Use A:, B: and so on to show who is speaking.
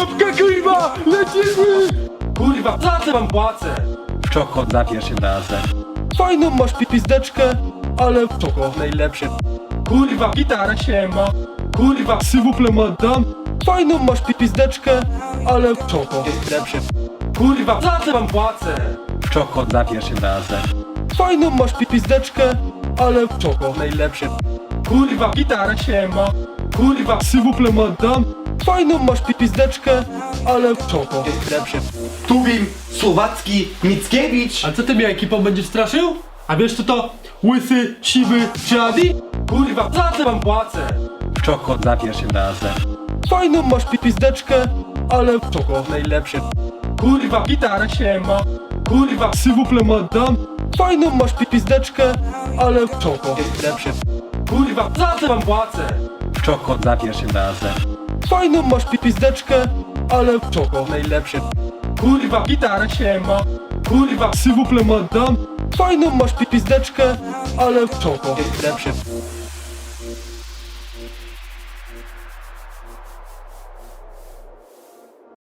A: Łapka, kurwa! Lecimy!
B: Kurwa, za co wam płacę?
A: Czoko za pierwszym razem. Fajną masz pipizdeczkę, ale czoko.
B: Najlepszy. Kurwa, gitara się ma. Kurwa,
A: S'il madame. Fajną masz pipizdeczkę, ale czoko.
B: jest lepszy. Kurwa, za co wam płacę?
A: Czoko za pierwszym razem. Fajną masz pipizdeczkę, ale czoko.
B: Najlepszy. Kurwa, gitara się ma. Kurwa,
A: S'il madame. Fajną masz pipizdeczkę, ale czoko.
B: jest lepszy.
C: Tubim, Słowacki, Mickiewicz.
A: A co ty mnie ekipą będziesz straszył? A wiesz co to łysy, siwy czy Adi?
B: Kurwa, za co wam płacę?
A: Czoko za pierwszym razem. Fajną masz pipizdeczkę, ale czoko.
B: Najlepszy. Kurwa, gitara się ma. Kurwa,
A: S'il madame. Fajną masz pipizdeczkę, ale czoko.
B: jest lepszy. Kurwa, za co wam płacę?
A: Czoko za pierwszym razem. Fajną masz pipizdeczkę, ale czoko.
B: Najlepszy. Kurwa, gitara się ma. Kurwa,
A: S'il madame. Fajną masz pipizdeczkę, ale czoko.
B: jest lepszy.